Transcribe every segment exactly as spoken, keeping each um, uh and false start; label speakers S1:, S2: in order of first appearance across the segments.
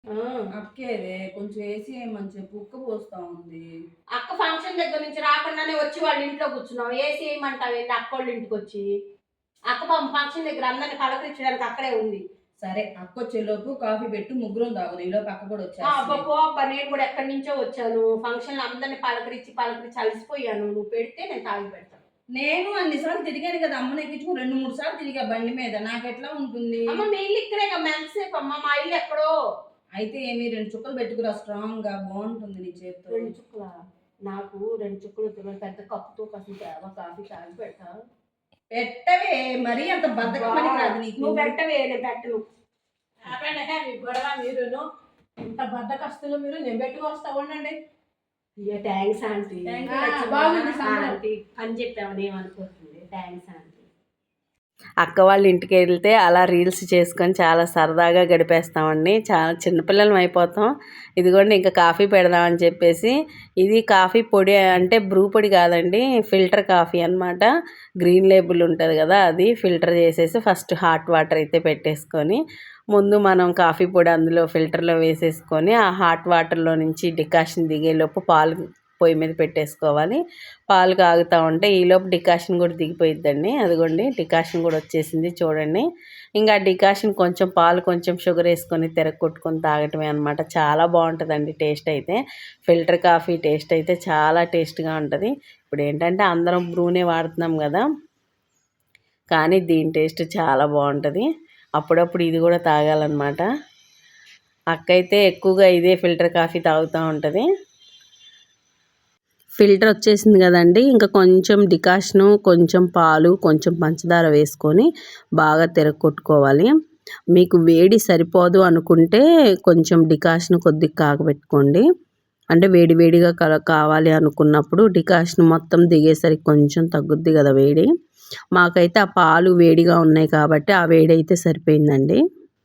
S1: అక్కేదే కొంచెం వేసి ఏమని చెప్పు, ఉక్క పోస్తా ఉంది.
S2: అక్క ఫంక్షన్ దగ్గర నుంచి రాకుండానే వచ్చి వాళ్ళ ఇంట్లో కూర్చున్నావు, ఏసీ ఏమంటావు ఏంటి అక్క వాళ్ళ ఇంటికి వచ్చి? అక్క ఫంక్షన్ దగ్గర అందరిని పలకరించడానికి అక్కడే ఉంది.
S1: సరే అక్క వచ్చేలోపు కాఫీ పెట్టు, ముగ్గురం తాగుదు. ఈలోపు అక్క కూడా వచ్చా.
S2: అబ్బా పో అబ్బా, నేను కూడా ఎక్కడి నుంచో వచ్చాను. ఫంక్షన్ లో అందరిని పలకరించి పలకరించి అలసిపోయాను. నువ్వు పెడితే నేను తాగి పెడతాను.
S1: నేను అన్నిసార్లు తిరిగాను కదా అమ్మని ఎక్కించుకుని, రెండు మూడు సార్లు తిరిగా బండి మీద. నాకు ఎట్లా ఉంటుంది?
S2: అమ్మ మీ ఇల్లు ఇక్కడే ఎంతసేపు అమ్మ, మా ఇల్లు ఎక్కడో.
S1: అయితే ఏమి రెండు చుక్కలు పెట్టుకురా, స్ట్రాంగ్ గా బాగుంటుంది నీ చేతితో.
S2: రెండు చుక్కల నాకు రెండు చుక్కలు పెద్ద కప్పుతో కాసి కాఫీ తాగి పెడతా.
S1: పెట్టవే, మరీ అంత బద్దకమని కాదు నీకు.
S2: నువ్వు పెట్టవే, నేను పెట్టను.
S3: మీ గొడవ మీరును ఇంత బద్దకస్తులు మీరు. నేను పెట్టుకొస్తా ఉండండి.
S2: Thanks aunty.
S3: బాగుంది
S2: ఆంటీ అని చెప్పామని ఏమనుకోతుంది. Thanks aunty.
S4: అక్క వాళ్ళ ఇంటికి వెళ్తే అలా రీల్స్ చేసుకొని చాలా సరదాగా గడిపేస్తామండి. చాలా చిన్నపిల్లలం అయిపోతాం. ఇదిగోండి ఇంకా కాఫీ పెడదామని చెప్పేసి, ఇది కాఫీ పొడి అంటే బ్రూ పొడి కాదండి, ఫిల్టర్ కాఫీ అన్నమాట. గ్రీన్ లేబుల్ ఉంటుంది కదా, అది ఫిల్టర్ చేసేసి ఫస్ట్ హాట్ వాటర్ అయితే పెట్టేసుకొని, ముందు మనం కాఫీ పొడి అందులో ఫిల్టర్లో వేసేసుకొని ఆ హాట్ వాటర్లో నుంచి డికాషన్ దిగేలోపు పాలు పొయ్యి మీద పెట్టేసుకోవాలి. పాలు కాగుతూ ఉంటే ఈలోపు డికాషన్ కూడా దిగిపోయిద్దండి. అదిగోండి డికాషన్ కూడా వచ్చేసింది చూడండి. ఇంకా డికాషన్ కొంచెం పాలు కొంచెం షుగర్ వేసుకొని తిరగొట్టుకొని తాగటమే అనమాట. చాలా బాగుంటుందండి టేస్ట్ అయితే. ఫిల్టర్ కాఫీ టేస్ట్ అయితే చాలా టేస్ట్గా ఉంటుంది. ఇప్పుడు ఏంటంటే అందరం బ్రూనే వాడుతున్నాం కదా, కానీ దీని టేస్ట్ చాలా బాగుంటుంది. అప్పుడప్పుడు ఇది కూడా తాగాలన్నమాట. అక్క అయితే ఎక్కువగా ఇదే ఫిల్టర్ కాఫీ తాగుతూ ఉంటుంది. ఫిల్టర్ వచ్చేసింది కదండి, ఇంకా కొంచెం డికాషను, కొంచెం పాలు, కొంచెం పంచదార వేసుకొని బాగా తిరగొట్టుకోవాలి. మీకు వేడి సరిపోదు అనుకుంటే కొంచెం డికాషన్ కొద్దిగా కాగబెట్టుకోండి. అంటే వేడి వేడిగా కల కావాలి అనుకున్నప్పుడు డికాషన్ మొత్తం దిగేసరికి కొంచెం తగ్గుద్ది కదా వేడి. మాకైతే ఆ పాలు వేడిగా ఉన్నాయి కాబట్టి ఆ వేడి అయితే సరిపోయిందండి.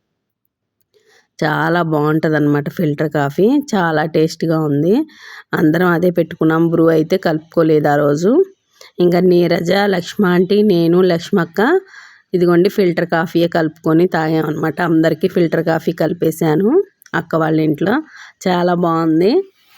S4: చాలా బాగుంటుంది అన్నమాట ఫిల్టర్ కాఫీ, చాలా టేస్ట్గా ఉంది. అందరం అదే పెట్టుకున్నాం. బ్రూ అయితే కలుపుకోలేదు ఆ రోజు. ఇంకా నీరజ, లక్ష్మ ఆంటీ, నేను, లక్ష్మక్క ఇదిగోండి ఫిల్టర్ కాఫీయే కలుపుకొని తాగామన్నమాట. అందరికీ ఫిల్టర్ కాఫీ కలిపేశాను అక్క వాళ్ళ ఇంట్లో. చాలా బాగుంది.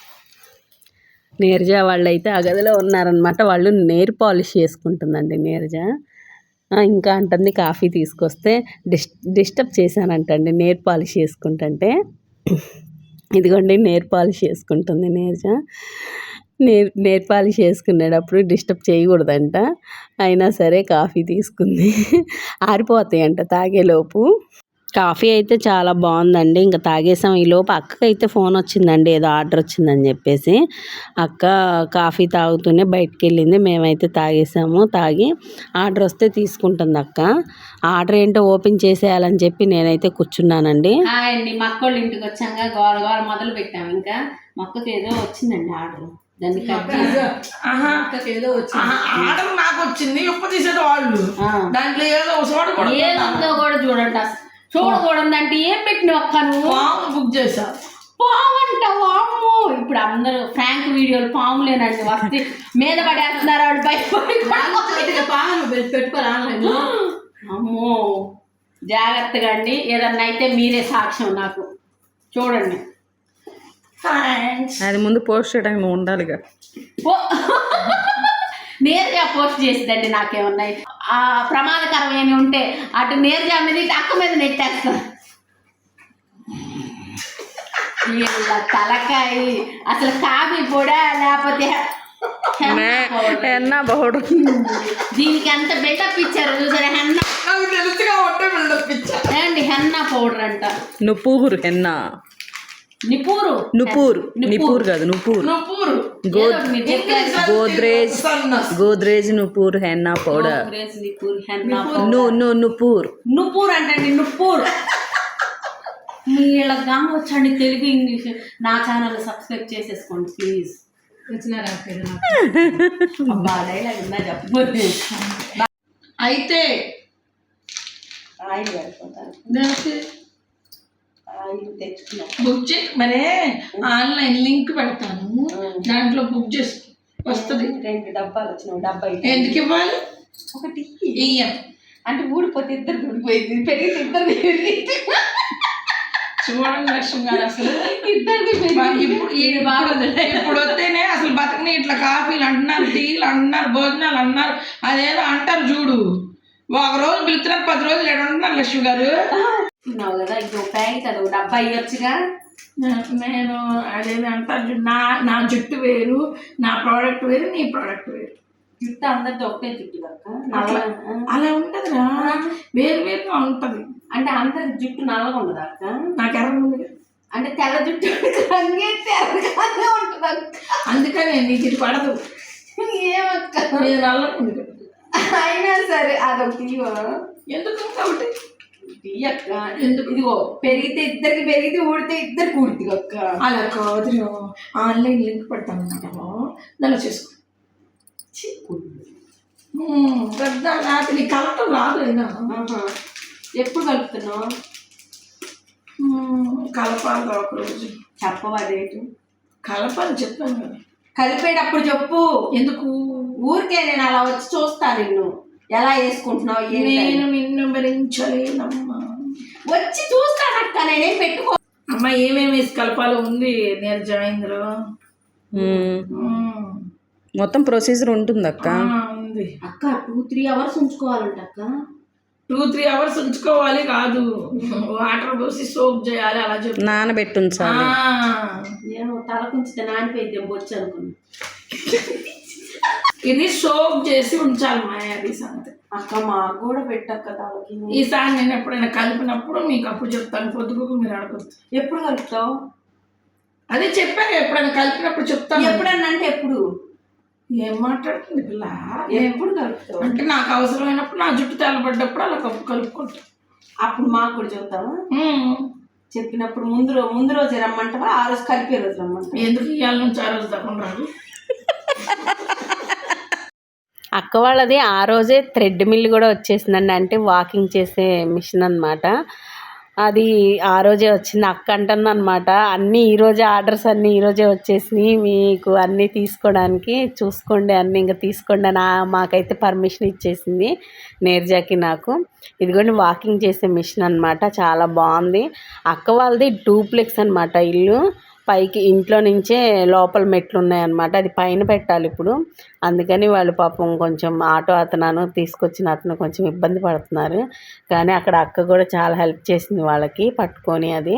S4: నీరజ వాళ్ళు అయితే ఆ గదిలో ఉన్నారనమాట. వాళ్ళు నెయిల్ పాలిష్ చేసుకుంటుందండి నీరజ. ఇంకా అంటుంది కాఫీ తీసుకొస్తే డిస్ డిస్టర్బ్ చేశానంటండి నెయిల్ పాలిష్ చేసుకుంటుంటే. ఇదిగోండి నెయిల్ పాలిష్ చేసుకుంటుంది నీరజ. నెయిల్ నెయిల్ పాలిష్ చేసుకునేటప్పుడు డిస్టర్బ్ చేయకూడదంట. అయినా సరే కాఫీ తీసుకుంది. ఆరిపోతాయంట తాగేలోపు. కాఫీ అయితే చాలా బాగుందండి. ఇంకా తాగేసాం. ఈలోపు అక్కకి అయితే ఫోన్ వచ్చిందండి, ఏదో ఆర్డర్ వచ్చిందని చెప్పేసి. అక్క కాఫీ తాగుతూనే బయటికి వెళ్ళింది. మేమైతే తాగేసాము. తాగి ఆర్డర్ వస్తే తీసుకుంటుంది అక్క. ఆర్డర్ ఏంటో ఓపెన్ చేసేయాలని చెప్పి నేనైతే కూర్చున్నానండి.
S2: అండి మా అక్క వాళ్ళ ఇంటికి వచ్చాక గోల గోల మొదలు పెట్టాము. ఇంకా మొక్కకి ఏదో వచ్చిందండి ఆర్డర్. దాన్ని
S3: ఏదో వచ్చింది ఆర్డర్, నాకు వచ్చింది. ఉప్పు తీసేది వాళ్ళు దాంట్లో ఏదో
S2: ఏదో కూడా చూడండి. అసలు చూడకూడదు అంటే ఏం పెట్టిన ఒక్క నువ్వు
S3: బుక్ చేసా
S2: పాము అంటావు. అమ్మో, ఇప్పుడు అందరూ ఫ్రాంక్ వీడియోలు పాములేనండి వస్తే మీద పడేస్తున్నారు. వాళ్ళు భయపడి
S3: పాము పెట్టుకోవాలి ఆన్లైన్.
S2: అమ్మో జాగ్రత్తగా అండి. ఏదన్నా అయితే మీరే సాక్ష్యం నాకు. చూడండి
S4: అది ముందు పోస్ట్ చేయడానికి నువ్వు ఉండాలిగా.
S2: నేరుగా పోస్ట్ చేసిద్దండి. నాకేమన్నాయి ఆ ప్రమాదకరమైన ఉంటే అటు నేరుగా మీద అక్క మీద నెట్టేస్తాను. తలకాయ అసలు కాఫీ పొడా లేకపోతే
S4: హెన్నా పౌడర్,
S2: దీనికి ఎంత బిల్డప్ ఇచ్చారు చూసారా. హెన్నా ఏమండి, హెన్నా పౌడర్ అంట.
S4: నుపూర్ హెన్నా,
S2: నిపూరు
S4: నుపూర్ నిపూర్ కాదు నుపూర్. Godrej Godrej Nupur henna powder. నుపూర్
S2: నుపూర్ అంటే నుపూర్. వీళ్ళ గామ వచ్చండి తెలుగు ఇంగ్లీష్. నా ఛానల్ సబ్స్క్రైబ్ చేసేసుకోండి ప్లీజ్.
S3: వచ్చినారా
S2: చెప్పండి.
S3: అయితే
S2: ఆయిల్ పెట్టుకుంటారు.
S3: బుక్ చే మరే ఆన్లైన్ లింక్ పెడతాను, దాంట్లో బుక్ చేసి వస్తుంది.
S2: రెండు డబ్బాలు వచ్చినావు. డబ్బా
S3: ఎందుకు ఇవ్వాలి?
S2: ఒకటి
S3: ఇయ్యం
S2: అంటే ఊడిపోతే ఇద్దరు ఊడిపోయింది, పెరిగితే ఇద్దరు
S3: చూడండి లక్ష్మి గారు అసలు
S2: ఇద్దరికి
S3: ఇప్పుడు ఇప్పుడు ఇప్పుడు వస్తేనే అసలు బతకని ఇట్లా కాఫీలు అంటున్నారు, టీలు అంటున్నారు, భోజనాలు అంటున్నారు, అదేదో అంటారు చూడు. ఒక రోజు పిలుస్తున్నారు, పది రోజులు ఎక్కడ ఉంటున్నారు లక్ష్మి గారు.
S2: తిన్నావు కదా ఇంకో ప్యాకెట్ అది ఒక డబ్బా ఇవ్వచ్చుగా.
S3: నేను అదేదో అంటారు చూడు, నా నా జుట్టు వేరు, నా ప్రోడక్ట్ వేరు, నీ ప్రోడక్ట్ వేరు.
S2: జుట్టు అందరితో ఒకటే జుట్టు అక్క.
S3: అట్లా అలా ఉండదురా, వేరు వేరుగా ఉంటది.
S2: అంటే అందరి జుట్టు నల్లగా ఉండదు అక్క.
S3: నాకు ఎర్ర ఉంది
S2: అంటే తెల్ల జుట్టు రంగే తెల్లగానే ఉంటుంది అక్క.
S3: అందుకనే నీకు ఇది పడదు.
S2: ఏమక్క
S3: నేను నల్లగా ఉంది కదా.
S2: అయినా సరే అదొకటి
S3: ఎందుకు కాబట్టి
S2: అక్క. ఎందుకు ఇదిగో పెరిగితే ఇద్దరికి పెరిగితే ఊడితే ఇద్దరికి ఊడుతుంది అక్క.
S3: అలా కాదు, ఆన్లైన్ లింక్ పెడతాను అన్నమాట, దానిలో చేసుకో. పెద్ద నాకు నీ కలటం రాదు అయినా.
S2: ఎప్పుడు కలుపుతున్నావు?
S3: కలపాలి ఒక రోజు.
S2: చెప్పవా డేటు?
S3: కలపాలి చెప్పాను కదా.
S2: కలిపేటప్పుడు చెప్పు.
S3: ఎందుకు
S2: ఊరికే నేను అలా వచ్చి చూస్తాను నిన్ను ఎలా వేసుకుంటున్నావు.
S3: నేను నిన్ను భరించలేనమ్మా.
S2: వచ్చి చూస్తానక్క, నేనేం పెట్టుకో.
S3: అమ్మ ఏమేమి వేసి కలపాలో ఉంది నేను జాయింద్రో.
S4: మొత్తం ప్రొసీజర్ ఉంటుంది అక్క.
S3: ఉంది
S2: అక్క. టూ త్రీ అవర్స్ ఉంచుకోవాలంట అక్క.
S3: టూ త్రీ అవర్స్ ఉంచుకోవాలి కాదు, వాటర్ పోసి సోప్ చేయాలి, అలా చెప్పి
S4: నానబెట్టి ఉంచాలి.
S2: నేను తల కుంచితే నానిపోయిద్దాం బొచ్చు అనుకున్నా.
S3: ఇది సోప్ చేసి ఉంచాలి మా అది సంగతి.
S2: అక్క మాకు కూడా పెట్టక్క తలకి.
S3: ఈసారి నేను ఎప్పుడైనా కలిపినప్పుడు మీకు అప్పుడు చెప్తాను, పొద్దుకు మీరు అడగచ్చు.
S2: ఎప్పుడు కలుపుతావు?
S3: అదే చెప్పాను, ఎప్పుడైనా కలిపినప్పుడు చెప్తాను.
S2: ఎప్పుడన్నా అంటే ఎప్పుడు?
S3: ఏం మాట్లాడుతుంది పిల్ల?
S2: ఎప్పుడు కలుపుతావు?
S3: అంటే నాకు అవసరమైనప్పుడు, నా జుట్టు తెల్లబడ్డప్పుడు అలా కప్పు కలుపుకుంటా.
S2: అప్పుడు మాకు కూడా చెబుతావా? చెప్పినప్పుడు ముందు రోజు ముందు రోజు రమ్మంటావా, ఆ రోజు కలిపే రోజు రమ్మంటావా?
S3: ఎందుకు ఇవాళ నుంచి ఆ రోజు తప్పకుండా రాదు.
S4: అక్క వాళ్ళది ఆ రోజే థ్రెడ్ మిల్ కూడా వచ్చేసిందండి, అంటే వాకింగ్ చేసే మిషన్ అనమాట. అది ఆ రోజే వచ్చింది. అక్క అంటుంది అనమాట, అన్నీ ఈరోజే ఆర్డర్స్ అన్నీ ఈరోజే వచ్చేసినాయి, మీకు అన్నీ తీసుకోవడానికి చూసుకోండి, అన్నీ ఇంకా తీసుకోండి అని మాకైతే పర్మిషన్ ఇచ్చేసింది నీరజకి నాకు. ఇదిగోండి వాకింగ్ చేసే మిషన్ అనమాట, చాలా బాగుంది. అక్క వాళ్ళది డూప్లెక్స్ అనమాట ఇల్లు. పైకి ఇంట్లో నుంచే లోపల మెట్లు ఉన్నాయన్నమాట, అది పైన పెట్టాలి ఇప్పుడు. అందుకని వాళ్ళు పాపం కొంచెం ఆటో అతను తీసుకొచ్చిన అతను కొంచెం ఇబ్బంది పడుతున్నారు, కానీ అక్కడ అక్క కూడా చాలా హెల్ప్ చేసింది వాళ్ళకి పట్టుకొని. అది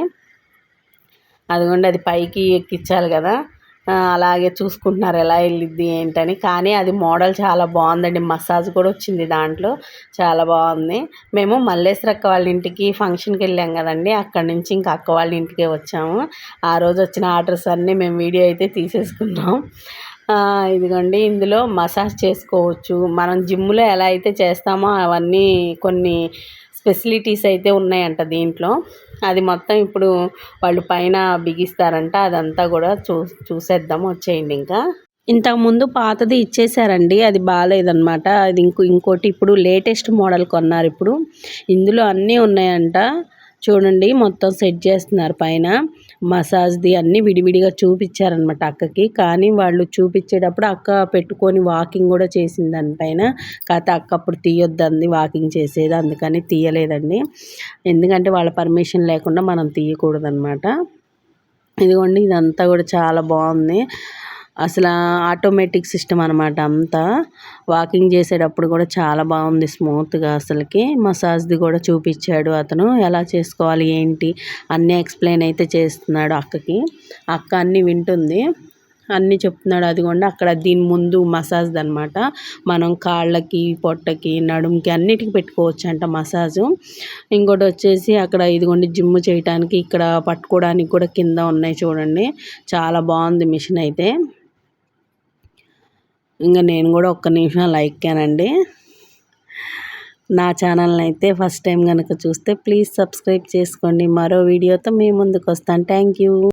S4: అదిగోండి అది పైకి ఎక్కించాలి కదా, అలాగే చూసుకుంటున్నారు ఎలా వెళ్ళిద్ది ఏంటని. కానీ అది మోడల్ చాలా బాగుందండి, మసాజ్ కూడా వచ్చింది దాంట్లో, చాలా బాగుంది. మేము మల్లేశ్వర అక్క వాళ్ళ ఇంటికి ఫంక్షన్కి వెళ్ళాం కదండి, అక్కడి నుంచి ఇంకా అక్క వాళ్ళ ఇంటికే వచ్చాము. ఆ రోజు వచ్చిన ఆర్డర్స్ అన్నీ మేము వీడియో అయితే తీసేసుకున్నాం. ఇదిగోండి ఇందులో మసాజ్ చేసుకోవచ్చు, మనం జిమ్లో ఎలా అయితే చేస్తామో అవన్నీ కొన్ని ఫెసిలిటీస్ అయితే ఉన్నాయంట దీంట్లో. అది మొత్తం ఇప్పుడు వాళ్ళు పైన బిగిస్తారంట, అదంతా కూడా చూ చూసేద్దాం వచ్చేయండి. ఇంకా ఇంతకుముందు పాతది ఇచ్చేసారండి, అది బాగాలేదన్నమాట. అది ఇంకో ఇంకోటి ఇప్పుడు లేటెస్ట్ మోడల్ కొన్నారు ఇప్పుడు. ఇందులో అన్నీ ఉన్నాయంట, చూడండి మొత్తం సెట్ చేస్తున్నారు పైన. మసాజ్ది అన్నీ విడివిడిగా చూపించారనమాట అక్కకి, కానీ వాళ్ళు చూపించేటప్పుడు అక్క పెట్టుకొని వాకింగ్ కూడా చేసింది దానిపైన. కాకపోతే అక్క అప్పుడు తీయొద్దంది వాకింగ్ చేసేది, అందుకని తీయలేదండి. ఎందుకంటే వాళ్ళ పర్మిషన్ లేకుండా మనం తీయకూడదనమాట. ఇదిగోండి ఇదంతా కూడా చాలా బాగుంది, అసలు ఆటోమేటిక్ సిస్టమ్ అనమాట అంతా. వాకింగ్ చేసేటప్పుడు కూడా చాలా బాగుంది స్మూత్గా. అసలుకి మసాజ్ది కూడా చూపించాడు అతను, ఎలా చేసుకోవాలి ఏంటి అన్నీ ఎక్స్ప్లెయిన్ అయితే చేస్తున్నాడు అక్కకి. అక్క అన్నీ వింటుంది, అన్నీ చెప్తున్నాడు. అదిగోండి అక్కడ దీని ముందు మసాజ్ అనమాట, మనం కాళ్ళకి పొట్టకి నడుముకి అన్నిటికీ పెట్టుకోవచ్చు అంట మసాజు. ఇంకోటి వచ్చేసి అక్కడ ఇదిగోండి జిమ్ చేయడానికి ఇక్కడ పట్టుకోవడానికి కూడా కింద ఉన్నాయి చూడండి, చాలా బాగుంది మిషన్ అయితే. ఇంకా నేను కూడా ఒక్క నిమిషం లైక్ కానండి. నా ఛానల్ని అయితే ఫస్ట్ టైం కనుక చూస్తే ప్లీజ్ సబ్స్క్రైబ్ చేసుకోండి. మరో వీడియోతో మీ ముందుకు వస్తాను. Thank you.